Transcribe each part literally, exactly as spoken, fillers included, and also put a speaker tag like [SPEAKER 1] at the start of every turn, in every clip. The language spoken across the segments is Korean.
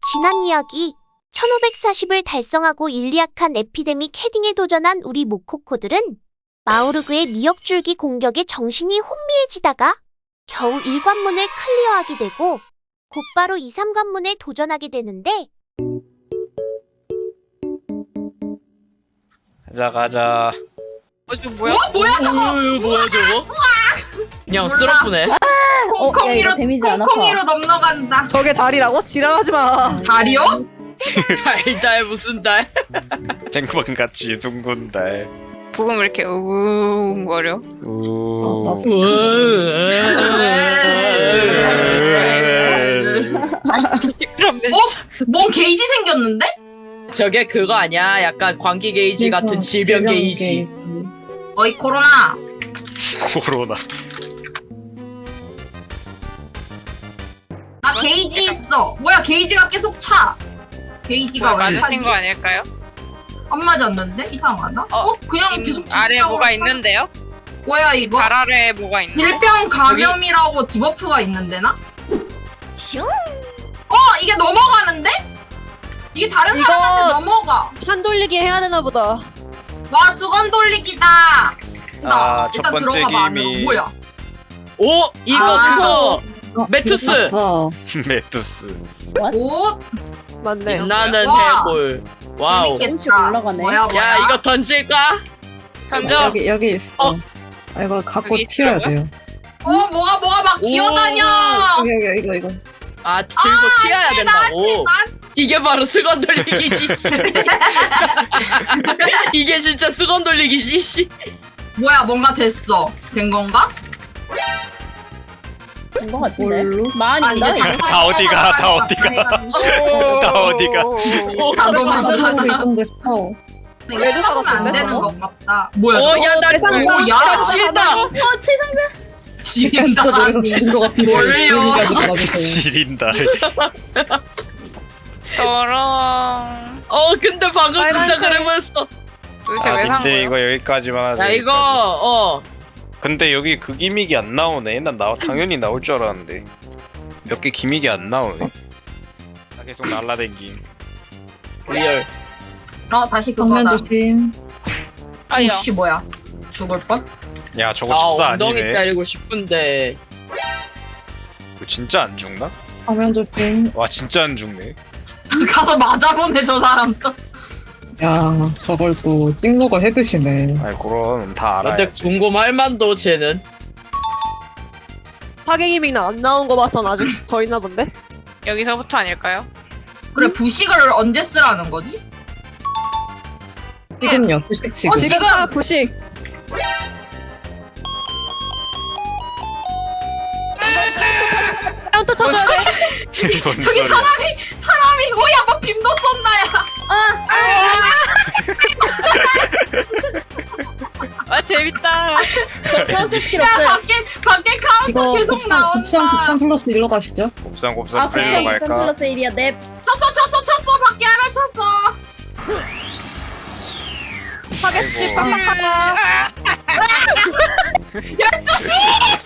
[SPEAKER 1] 지난 이야기, 천오백사십을 달성하고 일리약한 에피데믹 헤딩에 도전한 우리 모코코들은 마오르그의 미역줄기 공격에 정신이 혼미해지다가 겨우 일 관문을 클리어하게 되고 곧바로 이, 삼 관문에 도전하게 되는데
[SPEAKER 2] 가자 가자.
[SPEAKER 3] 어, 저 뭐야?
[SPEAKER 4] 어? 뭐야 저거?
[SPEAKER 3] 어, 뭐야 저거? 그냥
[SPEAKER 4] 몰라.
[SPEAKER 3] 쓰러프네.
[SPEAKER 5] 어, 야,
[SPEAKER 4] 콩콩이로
[SPEAKER 5] 이거 데미지 안 아파.
[SPEAKER 4] 콩콩이로 넘어간다.
[SPEAKER 6] 저게 다리라고? 지랄하지 마.
[SPEAKER 4] 다리요?
[SPEAKER 3] 달달 무슨 달?
[SPEAKER 2] 쟁반같이 둥근 달.
[SPEAKER 7] 부금 왜 이렇게 우웅거려?
[SPEAKER 2] 우.
[SPEAKER 7] 시끄럽네
[SPEAKER 4] 어? 뭔 게이지 생겼는데?
[SPEAKER 3] 저게 그거 아니야? 약간 광기 게이지 같은 질병 게이지.
[SPEAKER 4] 어이 코로나.
[SPEAKER 2] 코로나.
[SPEAKER 4] 나 게이지 있어. 뭐야 게이지가 계속 차. 게이지가 왜 차지?
[SPEAKER 7] 맞으신 거 아닐까요?
[SPEAKER 4] 안 맞았는데? 이상하다. 어?
[SPEAKER 7] 어,
[SPEAKER 4] 그냥
[SPEAKER 7] 님
[SPEAKER 4] 계속
[SPEAKER 7] 아래
[SPEAKER 4] 직각으로
[SPEAKER 7] 뭐가
[SPEAKER 4] 차.
[SPEAKER 7] 있는데요?
[SPEAKER 4] 뭐야 이거?
[SPEAKER 7] 발 아래에 뭐가 있는데?
[SPEAKER 4] 일병 감염이라고 디버프가 있는데 나?
[SPEAKER 1] 슝!
[SPEAKER 4] 어 이게 넘어가는데? 이게 다른
[SPEAKER 6] 이거-
[SPEAKER 4] 사람한테 넘어가.
[SPEAKER 6] 판 돌리기 해야 되나 보다.
[SPEAKER 4] 와 수건 돌리기다. 나
[SPEAKER 2] 아, 첫
[SPEAKER 4] 일단
[SPEAKER 2] 번째
[SPEAKER 4] 들어가봐 안으로.
[SPEAKER 2] 게임이-
[SPEAKER 4] 뭐야?
[SPEAKER 3] 오 이거
[SPEAKER 4] 아.
[SPEAKER 3] 그거 메투스.
[SPEAKER 5] 봤어.
[SPEAKER 2] 메투스.
[SPEAKER 4] 옷
[SPEAKER 6] 맞네.
[SPEAKER 3] 나는
[SPEAKER 4] 와.
[SPEAKER 3] 해골. 와우.
[SPEAKER 4] 재밌겠다.
[SPEAKER 5] 조금씩 올라가네.
[SPEAKER 4] 뭐야 뭐야?
[SPEAKER 3] 야 이거 던질까?
[SPEAKER 7] 던져!
[SPEAKER 8] 여기 여기 있어.
[SPEAKER 3] 어.
[SPEAKER 8] 아, 이거 갖고
[SPEAKER 7] 여기
[SPEAKER 8] 튀어야
[SPEAKER 7] 있더라고요?
[SPEAKER 8] 돼요.
[SPEAKER 4] 어 뭐가 뭐가 막
[SPEAKER 3] 오.
[SPEAKER 4] 기어다녀.
[SPEAKER 8] 여기 여기 이거 이거.
[SPEAKER 3] 아 들고 튀어야 된다고.
[SPEAKER 4] 난
[SPEAKER 3] 이게 바로 수건 돌리기지. 이게 진짜 수건 돌리기지. 씨.
[SPEAKER 4] 뭐야 뭔가 됐어. 된 건가?
[SPEAKER 5] 된거 같은데?
[SPEAKER 8] 뭘로?
[SPEAKER 5] 많이
[SPEAKER 4] 아 이제
[SPEAKER 5] 나
[SPEAKER 2] 다 어디가, 다 어디가. 다 어디가.
[SPEAKER 4] 다
[SPEAKER 8] 만들고
[SPEAKER 4] 넘어가자.
[SPEAKER 8] 이동됐어.
[SPEAKER 6] 레드
[SPEAKER 4] 안
[SPEAKER 6] 사갔던데,
[SPEAKER 4] 되는
[SPEAKER 6] 저거?
[SPEAKER 4] 건가 보다. 뭐야?
[SPEAKER 3] 어, 야, 나
[SPEAKER 6] 세상
[SPEAKER 3] 오,
[SPEAKER 4] 야,
[SPEAKER 3] 야, 지린다.
[SPEAKER 4] 지린다.
[SPEAKER 8] 진도 같은 거.
[SPEAKER 4] 뭘요?
[SPEAKER 2] 지린다.
[SPEAKER 7] 저런.
[SPEAKER 3] 어, 근데 방금 진짜
[SPEAKER 6] 빨간색.
[SPEAKER 3] 그래 보였어.
[SPEAKER 7] 도대체
[SPEAKER 2] 아,
[SPEAKER 7] 왜 산
[SPEAKER 2] 님들
[SPEAKER 7] 거야?
[SPEAKER 2] 이거 여기까지만 하자.
[SPEAKER 3] 야, 이거,
[SPEAKER 2] 여기까지.
[SPEAKER 3] 어.
[SPEAKER 2] 근데 여기 그 기믹이 안 나오네. 난 나, 당연히 나올 줄 알았는데 몇 개 기믹이 안 나오네. 나 계속 날라댕김.
[SPEAKER 3] 리얼.
[SPEAKER 4] 어 다시
[SPEAKER 8] 정면
[SPEAKER 4] 그거다.
[SPEAKER 8] 조심.
[SPEAKER 7] 아야.
[SPEAKER 4] 오씨 뭐야? 죽을 뻔?
[SPEAKER 2] 야 저거
[SPEAKER 3] 아,
[SPEAKER 2] 집사
[SPEAKER 3] 엉덩이
[SPEAKER 2] 아니네.
[SPEAKER 3] 때리고 싶은데.
[SPEAKER 2] 이거 진짜 안 죽나?
[SPEAKER 8] 정면 조심.
[SPEAKER 2] 와 진짜 안 죽네.
[SPEAKER 4] 가서 맞아보네 저 사람도.
[SPEAKER 8] 야 저걸 또 찍먹을 해드시네.
[SPEAKER 2] 아이 그럼 다
[SPEAKER 3] 근데
[SPEAKER 2] 알아야지.
[SPEAKER 3] 궁금할 만도 쟤는.
[SPEAKER 6] 파괴기믹 안 나온 거 봐선 아직 더 있나 본데?
[SPEAKER 7] 여기서부터 아닐까요?
[SPEAKER 4] 그래 부식을 언제 쓰라는 거지?
[SPEAKER 8] 지금요. 부식 지금.
[SPEAKER 4] 어, 지-
[SPEAKER 6] 지금 다 부식. 카운터 쳐줘야 돼.
[SPEAKER 2] 뭔
[SPEAKER 4] 저기
[SPEAKER 2] 소리야.
[SPEAKER 4] 사람이 사람이 뭐야 뭐 빔도 쏜다야.
[SPEAKER 7] 아 재밌다.
[SPEAKER 5] 카운터 스킬
[SPEAKER 4] 야
[SPEAKER 5] 없어요.
[SPEAKER 4] 밖에 밖에 카운터
[SPEAKER 8] 이거
[SPEAKER 4] 계속
[SPEAKER 8] 곱상
[SPEAKER 4] 나온다.
[SPEAKER 8] 곱상 곱상 플러스 일로 가시죠.
[SPEAKER 2] 곱상 곱상
[SPEAKER 5] 아,
[SPEAKER 2] 빨리로
[SPEAKER 5] 곱상
[SPEAKER 2] 갈까?
[SPEAKER 5] 플러스 일이야. 넵.
[SPEAKER 4] 쳤어 쳤어 쳤어 밖에 하나 쳤어.
[SPEAKER 6] 파괴 수치
[SPEAKER 2] 아이고.
[SPEAKER 6] 빡빡하다.
[SPEAKER 4] 열두 시.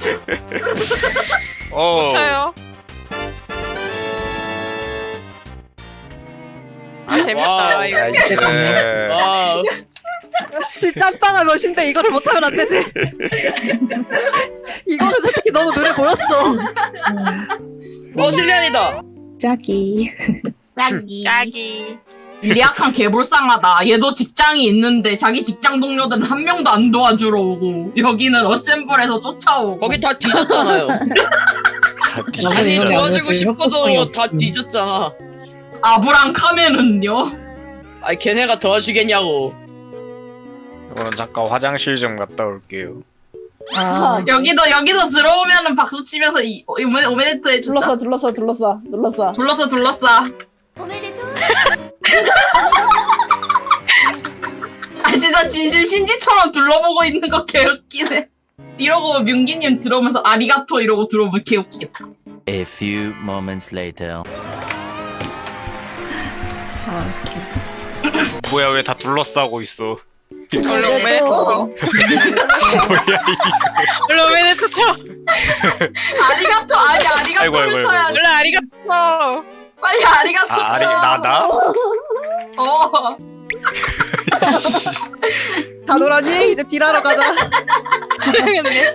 [SPEAKER 2] 어.
[SPEAKER 7] 쳐요. 아 재밌다.
[SPEAKER 3] 와우.
[SPEAKER 7] 이거.
[SPEAKER 2] 나이스.
[SPEAKER 3] 와우.
[SPEAKER 6] 씨 짬뽕아 몇인데 이거를 못하면 안 되지. 이거는 솔직히 너무 눈에 보였어.
[SPEAKER 3] 어, 실리안이다.
[SPEAKER 8] 짝이.
[SPEAKER 4] 짝이.
[SPEAKER 7] 짝이.
[SPEAKER 4] 리약한 개불쌍하다. 얘도 직장이 있는데 자기 직장 동료들은 한 명도 안 도와주러 오고 여기는 어셈블에서 쫓아오고.
[SPEAKER 3] 거기 다 뒤졌잖아요.
[SPEAKER 2] 다
[SPEAKER 3] 아니,
[SPEAKER 2] 뒤진다.
[SPEAKER 8] 아니,
[SPEAKER 3] 도와주고
[SPEAKER 8] 아니,
[SPEAKER 3] 싶어도
[SPEAKER 8] 협조성이
[SPEAKER 3] 다
[SPEAKER 8] 없음.
[SPEAKER 3] 뒤졌잖아.
[SPEAKER 4] 아브랑 카멘은요?
[SPEAKER 3] 아니, 걔네가 도와주겠냐고.
[SPEAKER 2] 저는 잠깐 화장실 좀 갔다 올게요.
[SPEAKER 5] 아,
[SPEAKER 4] 여기도 여기도 들어오면은 박수 치면서 이 오메 오메데토 해주자.
[SPEAKER 5] 둘러싸, 둘러싸, 둘러싸, 둘러싸.
[SPEAKER 4] 둘러서 둘러싸. 아 진짜 진심 신지처럼 둘러보고 있는 거 개웃기네. 이러고 민기님 들어오면서 아리가토 이러고 들어오면 개웃기겠다.
[SPEAKER 9] A few moments later.
[SPEAKER 8] 아,
[SPEAKER 2] 뭐야 왜 다 둘러싸고 있어?
[SPEAKER 7] 원래 오메데토.
[SPEAKER 2] 뭐야
[SPEAKER 7] 원래 오메데토 쳐.
[SPEAKER 4] 아리가토 아니
[SPEAKER 2] 아이고, 아이고,
[SPEAKER 4] 아리가토를
[SPEAKER 2] 아이고.
[SPEAKER 4] 쳐야지.
[SPEAKER 7] 원래 아리가토.
[SPEAKER 4] 빨리 아리가토
[SPEAKER 2] 아,
[SPEAKER 4] 쳐.
[SPEAKER 2] 아니 나 나?
[SPEAKER 4] 어.
[SPEAKER 6] 다 놀았니? 이제 딜하러 가자.
[SPEAKER 7] 사랑했네.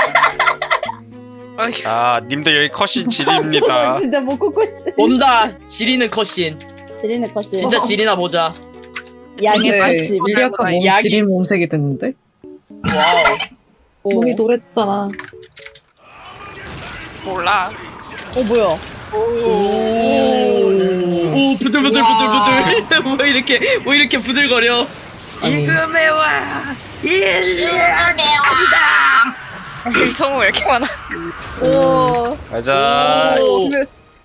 [SPEAKER 7] 어휴.
[SPEAKER 2] 아 님들 여기 컷신 지리입니다.
[SPEAKER 5] 저거 진짜 모코코 씨.
[SPEAKER 3] 온다. 지리는 컷신.
[SPEAKER 5] 지리네 컷이.
[SPEAKER 3] 진짜 지리나 보자.
[SPEAKER 5] 양의
[SPEAKER 8] 근데
[SPEAKER 5] 팔십.
[SPEAKER 8] 밀리아카 몸이
[SPEAKER 3] 약이-
[SPEAKER 8] 지린 몸색이 됐는데?
[SPEAKER 3] 와우.
[SPEAKER 8] 몸이 노랬잖아.
[SPEAKER 7] 몰라.
[SPEAKER 5] 어 뭐야?
[SPEAKER 3] 오, 오 부들부들부들부들. 뭐 이렇게 뭐 이렇게 부들거려.
[SPEAKER 8] 아니.
[SPEAKER 3] 이금의 와.
[SPEAKER 7] 성우 왜 이렇게 많아?
[SPEAKER 6] 오.
[SPEAKER 2] 가자.
[SPEAKER 3] 오.
[SPEAKER 6] 근데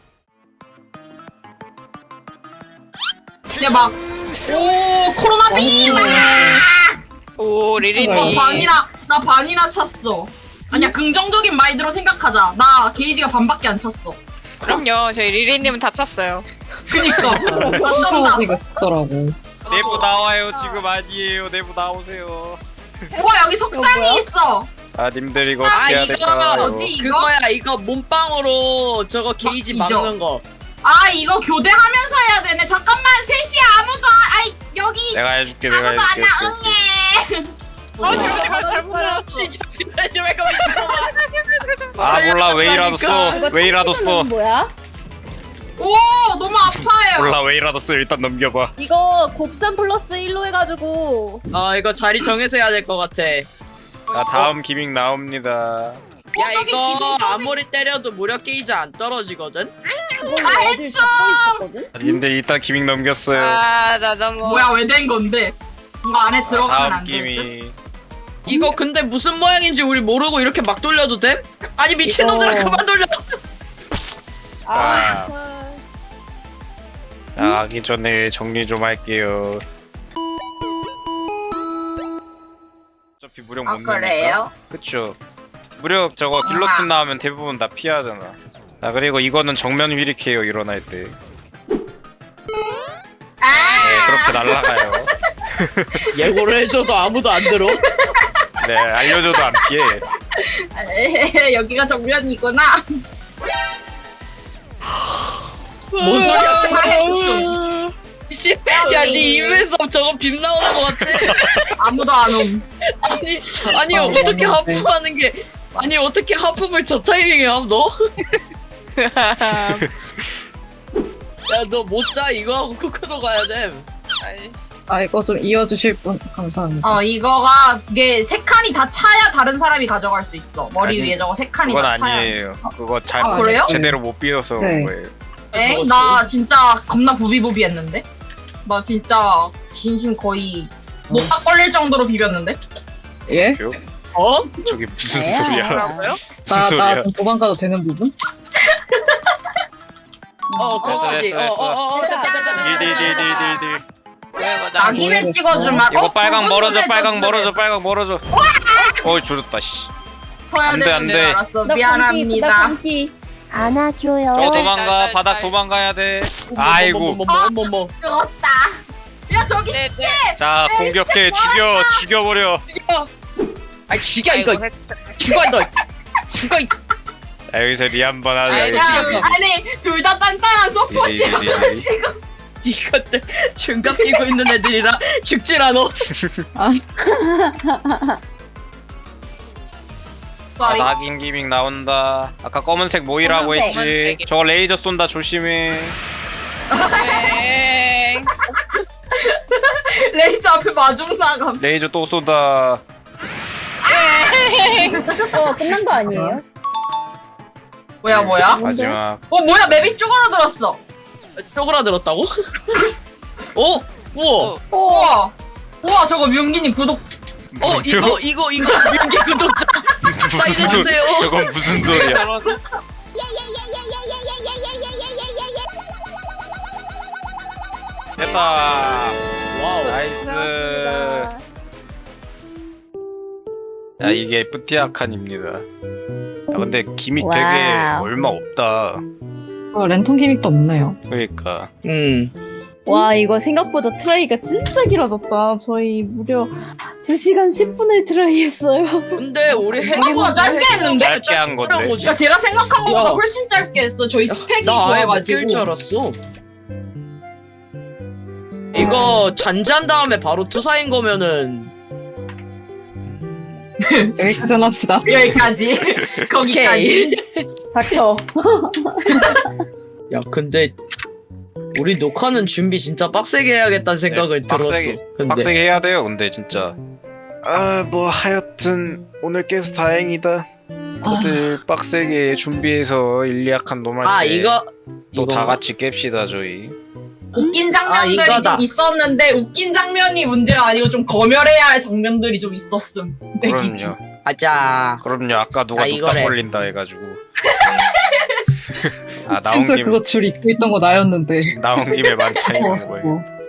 [SPEAKER 4] 이제 막. 오 코로나 빔.
[SPEAKER 7] 오
[SPEAKER 4] 어,
[SPEAKER 7] 리리니.
[SPEAKER 4] 반이나 나 반이나 찼어. 아니야 긍정적인 마인드로 생각하자. 나 게이지가 반밖에 안 찼어.
[SPEAKER 7] 그럼요. 저희 리리님은 다 찼어요.
[SPEAKER 4] 그니까 어쩐다.
[SPEAKER 8] 처지가 있더라고.
[SPEAKER 2] 내부 나와요 지금 아니에요. 내부 나오세요.
[SPEAKER 4] 우와 여기 속상이 있어.
[SPEAKER 2] 아 님들 이거
[SPEAKER 3] 아
[SPEAKER 2] 어떻게 해야
[SPEAKER 3] 이거
[SPEAKER 2] 될까요?
[SPEAKER 4] 뭐지? 이거?
[SPEAKER 3] 그거야 이거 몸빵으로 저거 게이지
[SPEAKER 4] 막 지져.
[SPEAKER 3] 막는 거.
[SPEAKER 4] 아 이거 교대하면서 해야 되네. 잠깐만 셋이 아무도 안- 아이 여기
[SPEAKER 2] 내가 해줄게 내가
[SPEAKER 4] 아무도 안
[SPEAKER 2] 해줄게.
[SPEAKER 4] 나 응애.
[SPEAKER 3] 아니 우리가 잘못 알았지. 이제 왜 거기
[SPEAKER 2] 아 몰라 웨이라도 써.
[SPEAKER 5] 이거
[SPEAKER 2] 웨이라도
[SPEAKER 5] 턱시도는
[SPEAKER 2] 써.
[SPEAKER 5] 뭐야?
[SPEAKER 4] 오 너무 아파요.
[SPEAKER 2] 몰라 웨이라도 써. 일단 넘겨봐.
[SPEAKER 6] 이거 곱셈 플러스 일로 해가지고
[SPEAKER 3] 아 이거 자리 정해서 해야 될 것 같아.
[SPEAKER 2] 자 다음 기믹 나옵니다.
[SPEAKER 3] 야
[SPEAKER 4] 저기
[SPEAKER 3] 이거
[SPEAKER 4] 기둥
[SPEAKER 3] 아무리 때려도 무력 게이지 안 떨어지거든?
[SPEAKER 5] 그걸
[SPEAKER 4] 아,
[SPEAKER 5] 어딜
[SPEAKER 4] 했죠.
[SPEAKER 5] 잡고 있었거든?
[SPEAKER 2] 아, 님들 일단 기믹 넘겼어요.
[SPEAKER 7] 아 나 너무.
[SPEAKER 4] 뭐야 왜 된 건데? 이거 안에 들어가면
[SPEAKER 2] 다음
[SPEAKER 4] 안 돼.
[SPEAKER 2] 기믹.
[SPEAKER 3] 이거 근데 무슨 모양인지 우리 모르고 이렇게 막 돌려도 돼? 아니 미친놈들아
[SPEAKER 8] 이거-
[SPEAKER 3] 그만 돌려.
[SPEAKER 2] 아. 자, 하기 전에 정리 좀 할게요. 어차피 무력
[SPEAKER 4] 아
[SPEAKER 2] 못 넣으니까.
[SPEAKER 4] 그래요?
[SPEAKER 2] 그쵸. 무력 저거 길로틴 나오면 대부분 다 피하잖아. 아 그리고 이거는 정면 휘릭해요 일어날 때. 네
[SPEAKER 4] 아
[SPEAKER 2] 그렇게 날아가요.
[SPEAKER 3] 예고를 해줘도 아무도 안 들어.
[SPEAKER 2] 네 알려줘도 안 피해.
[SPEAKER 4] 에헤헤, 여기가 정면이구나.
[SPEAKER 3] 뭔 소리야
[SPEAKER 4] 아,
[SPEAKER 3] 지금? 씨, 야네 입에서 저거 빔 나오는 것 같아.
[SPEAKER 4] 아무도 안 옴.
[SPEAKER 3] 아니 아니
[SPEAKER 8] 아,
[SPEAKER 3] 어떻게
[SPEAKER 8] 맞네.
[SPEAKER 3] 하품하는 게 아니 어떻게 하품을 저 타이밍에 함 너? 야 너 못 자 이거 하고 쿠크도 가야 돼.
[SPEAKER 7] 아이씨.
[SPEAKER 8] 아 이거 좀 이어주실 분 감사합니다.
[SPEAKER 4] 어 이거가 이게 세 칸이 다 차야 다른 사람이 가져갈 수 있어. 머리
[SPEAKER 2] 아니,
[SPEAKER 4] 위에 저거 세 칸이
[SPEAKER 2] 그건
[SPEAKER 4] 다 차야.
[SPEAKER 2] 아니에요. 그거 잘
[SPEAKER 4] 아, 그래요?
[SPEAKER 2] 제대로 못 비워서
[SPEAKER 8] 네.
[SPEAKER 2] 그런 거예요.
[SPEAKER 4] 에? 나 진짜 겁나 부비부비했는데? 나 진짜 진심 거의 못딱 걸릴 정도로 비볐는데?
[SPEAKER 8] 예?
[SPEAKER 3] 어?
[SPEAKER 2] 저게 무슨
[SPEAKER 5] 에야.
[SPEAKER 2] 소리야?
[SPEAKER 7] 뭐라고요?
[SPEAKER 2] 무슨
[SPEAKER 8] 나
[SPEAKER 2] 소리야?
[SPEAKER 8] 나 좀 도망가도 되는 부분?
[SPEAKER 3] 어 그거지.
[SPEAKER 2] 됐어, 됐어,
[SPEAKER 3] 어어어.
[SPEAKER 2] 딜딜딜딜딜딜.
[SPEAKER 7] 왜 뭐, 나.
[SPEAKER 4] 낙인을
[SPEAKER 8] 모르겠어.
[SPEAKER 4] 찍어주면
[SPEAKER 2] 이거
[SPEAKER 4] 어,
[SPEAKER 2] 빨강
[SPEAKER 4] 붉은
[SPEAKER 2] 멀어져
[SPEAKER 4] 눈에
[SPEAKER 2] 빨강
[SPEAKER 4] 젖으래.
[SPEAKER 2] 멀어져 빨강 멀어져. 어이 줄었다 씨.
[SPEAKER 4] 터야
[SPEAKER 2] 안 돼, 안
[SPEAKER 4] 되는데
[SPEAKER 2] 돼.
[SPEAKER 4] 알았어.
[SPEAKER 5] 나
[SPEAKER 4] 미안합니다.
[SPEAKER 5] 감기.
[SPEAKER 1] 안아줘요.
[SPEAKER 2] 저
[SPEAKER 7] 네,
[SPEAKER 2] 도망가
[SPEAKER 7] 네,
[SPEAKER 2] 바닥
[SPEAKER 7] 네.
[SPEAKER 2] 도망가야 돼. 아이고.
[SPEAKER 3] 어머머머머머.
[SPEAKER 4] 죽었다. 야 저기
[SPEAKER 7] 네, 네.
[SPEAKER 2] 자 공격해 죽여 죽여버려.
[SPEAKER 3] 아이 죽여
[SPEAKER 7] 아이고,
[SPEAKER 3] 이거.
[SPEAKER 7] 했-
[SPEAKER 3] 죽어 너. 죽어 이.
[SPEAKER 2] 자 여기서 리 한 번 하자.
[SPEAKER 3] 아이고,
[SPEAKER 4] 야,
[SPEAKER 3] 죽였어.
[SPEAKER 4] 아니 둘 다 단단한 서폿이야
[SPEAKER 2] 네, 네, 네.
[SPEAKER 4] 지금.
[SPEAKER 3] 이것들 중갑 끼고 있는 애들이라 죽질 않어.
[SPEAKER 4] 쏘리.
[SPEAKER 2] 낙인 기믹 나온다. 아까 검은색 모이라고
[SPEAKER 5] 검은색.
[SPEAKER 2] 했지.
[SPEAKER 7] 검은색이.
[SPEAKER 2] 저거 레이저 쏜다 조심해.
[SPEAKER 7] 네.
[SPEAKER 4] 레이저 앞에 마중 나감.
[SPEAKER 2] 레이저 또 쏜다.
[SPEAKER 5] 어 끝난 거 아니에요?
[SPEAKER 4] 뭐야 뭐야?
[SPEAKER 5] 뭔데?
[SPEAKER 2] 마지막.
[SPEAKER 4] 어 뭐야 맵이 쪼그라들었어.
[SPEAKER 3] 쪼그라들었다고? 어? 우와.
[SPEAKER 4] 우와. 우와 저거 뮤기님 구독.
[SPEAKER 3] 어 이거 이거 이거 민기 구독자
[SPEAKER 2] 무슨 소리?
[SPEAKER 3] 사인해주세요.
[SPEAKER 2] 저건 무슨 소리야? 됐다.
[SPEAKER 3] 와우.
[SPEAKER 2] 나이스.
[SPEAKER 6] 고생하셨습니다.
[SPEAKER 2] 야 이게 뿌티아칸입니다. 야 근데 기믹 되게
[SPEAKER 5] 와우.
[SPEAKER 2] 얼마 없다.
[SPEAKER 8] 어, 랜턴 기믹도 없네요.
[SPEAKER 2] 그러니까
[SPEAKER 3] 음.
[SPEAKER 5] 와 이거 생각보다 트라이가 진짜 길어졌다. 저희 무려 두 시간 십 분을 트라이했어요.
[SPEAKER 3] 근데 우리
[SPEAKER 4] 생각보다 짧게 했는데?
[SPEAKER 2] 짧게 한 건데.
[SPEAKER 4] 그러니까 제가 생각한 것보다
[SPEAKER 3] 야.
[SPEAKER 4] 훨씬 짧게 했어. 저희 스펙이
[SPEAKER 3] 나 아예 못
[SPEAKER 4] 좋아가지고.
[SPEAKER 3] 낄 줄 알았어. 이거 잔잔 다음에 바로 투사인 거면은
[SPEAKER 8] 여기까지 합시다.
[SPEAKER 4] 여기까지. 거기까지.
[SPEAKER 5] 닥쳐.
[SPEAKER 3] 야 근데 우리 녹화는 준비 진짜 빡세게 해야겠다는 생각을
[SPEAKER 2] 네,
[SPEAKER 3] 들었어.
[SPEAKER 2] 빡세게,
[SPEAKER 3] 근데
[SPEAKER 2] 빡세게 해야 돼요. 근데 진짜. 아 뭐 하여튼 오늘 깨서 다행이다. 다들 빡세게 준비해서 일리약한 놈할
[SPEAKER 3] 아
[SPEAKER 2] 때
[SPEAKER 3] 이거
[SPEAKER 2] 또 다
[SPEAKER 3] 이거
[SPEAKER 2] 같이 깹시다 저희.
[SPEAKER 4] 웃긴
[SPEAKER 3] 아,
[SPEAKER 4] 장면들이
[SPEAKER 3] 이거다.
[SPEAKER 4] 좀 있었는데 웃긴 장면이 문제가 아니고 좀 검열해야 할 장면들이 좀 있었음. 내 기준.
[SPEAKER 2] 그럼요.
[SPEAKER 3] 가자.
[SPEAKER 2] 그럼요. 아까 누가
[SPEAKER 3] 아,
[SPEAKER 2] 뚝딱
[SPEAKER 3] 이거래.
[SPEAKER 2] 걸린다 해가지고. 아 나온
[SPEAKER 8] 진짜
[SPEAKER 2] 김에
[SPEAKER 8] 그거 줄 잊고 있던 거 나였는데.
[SPEAKER 2] 나온 김에 만찬 있는 거예요.
[SPEAKER 8] 어.